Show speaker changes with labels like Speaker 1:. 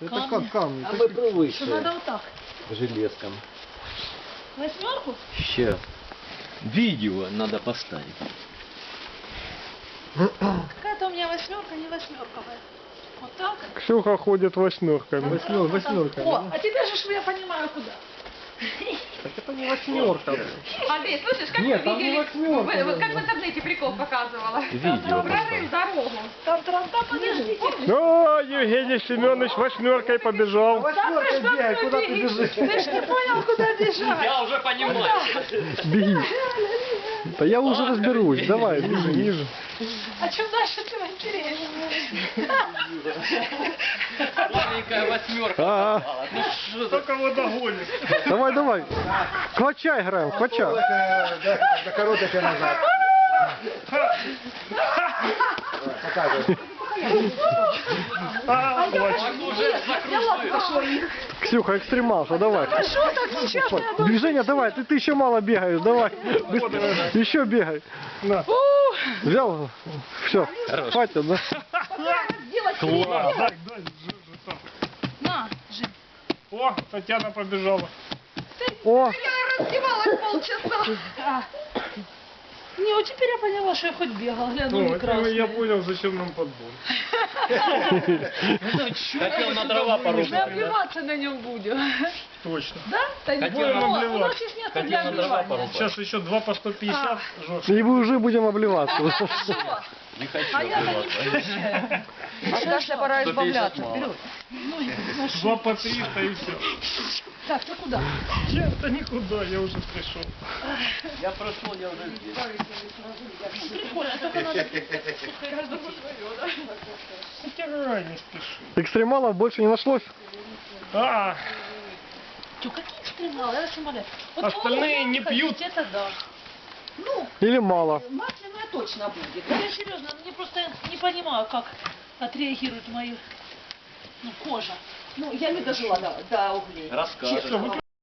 Speaker 1: Это как камни?
Speaker 2: А мы привыкли.
Speaker 3: Что надо вот так.
Speaker 2: Железкам.
Speaker 3: Восьмерку?
Speaker 2: Сейчас. Видео надо поставить.
Speaker 3: Какая-то у меня восьмерка, не восьмерковая. Вот так.
Speaker 4: Ксюха ходит восьмерками.
Speaker 1: Восьмерка.
Speaker 3: О, а теперь же я понимаю, куда.
Speaker 4: Так это не восьмерка.
Speaker 5: Андрей, слышишь, как
Speaker 1: Нет,
Speaker 5: мы
Speaker 1: там не
Speaker 5: видели,
Speaker 1: восьмерка,
Speaker 5: вот как в интернете прикол показывала.
Speaker 2: Видео
Speaker 5: Прорыв дорогу.
Speaker 3: Там, подождите.
Speaker 4: О, Евгений Семенович восьмеркой побежал.
Speaker 1: Восьмерка, бегай, куда ты бежишь?
Speaker 3: Ты ж не понял, куда бежать.
Speaker 2: Я уже понимаю.
Speaker 4: Беги. Да я уже разберусь. Давай, ниже.
Speaker 3: А чем дальше, тем интереснее.
Speaker 2: Маленькая восьмерка.
Speaker 4: А,
Speaker 2: Ну что
Speaker 4: кто кого догонит? Давай. Квача играем, квача.
Speaker 1: Да короткая назад. Показывай.
Speaker 2: уже закружил.
Speaker 4: Ксюха, экстремалша, давай.
Speaker 3: Что так нечестно?
Speaker 4: Движение давай, ты еще мало бегаешь, давай. Еще бегай. На. Взял? Все, хватит, да?
Speaker 2: Класс.
Speaker 3: На, Жень.
Speaker 4: О, Татьяна побежала. О,
Speaker 3: Я раздевалась полчаса. Не, вот теперь я поняла, что я хоть бегала, гляну, не красная.
Speaker 4: понял, зачем нам подбор.
Speaker 2: Хотел на дрова
Speaker 3: Мы
Speaker 2: порубить.
Speaker 3: обливаться на нем будем.
Speaker 4: Точно.
Speaker 3: Да? Да не
Speaker 2: Хотел
Speaker 3: поняла.
Speaker 4: обливаться.
Speaker 3: У нас есть место для
Speaker 2: Хотел на дрова
Speaker 3: обливания.
Speaker 2: порубать.
Speaker 4: Сейчас еще 2 по 150
Speaker 3: А.
Speaker 4: И мы уже будем обливаться.
Speaker 2: Не хочу
Speaker 3: А я-то не
Speaker 2: обливаться.
Speaker 3: пьющая.
Speaker 5: А кашля пора избавляться. Вперед.
Speaker 3: Ну, я ношу.
Speaker 4: 2 по 300 и все.
Speaker 3: Так, ты куда?
Speaker 4: Я-то никуда, я уже пришел.
Speaker 2: Я прошел, я уже здесь.
Speaker 3: Прикольно, только надо...
Speaker 4: Утирай, не спеши. Экстремалов больше не нашлось? А,
Speaker 3: Чё, какие экстремалы? Я вас умоляю. Вот
Speaker 4: Остальные
Speaker 3: полгода
Speaker 4: не пьют.
Speaker 3: ходить, Это да. Ну,
Speaker 4: или мало?
Speaker 3: масляная точно будет. Да я серьезно, мне просто не понимаю, как отреагирует моя кожа.
Speaker 5: Ну, я не дожила до углей.
Speaker 2: Расскажешь.
Speaker 5: Честно.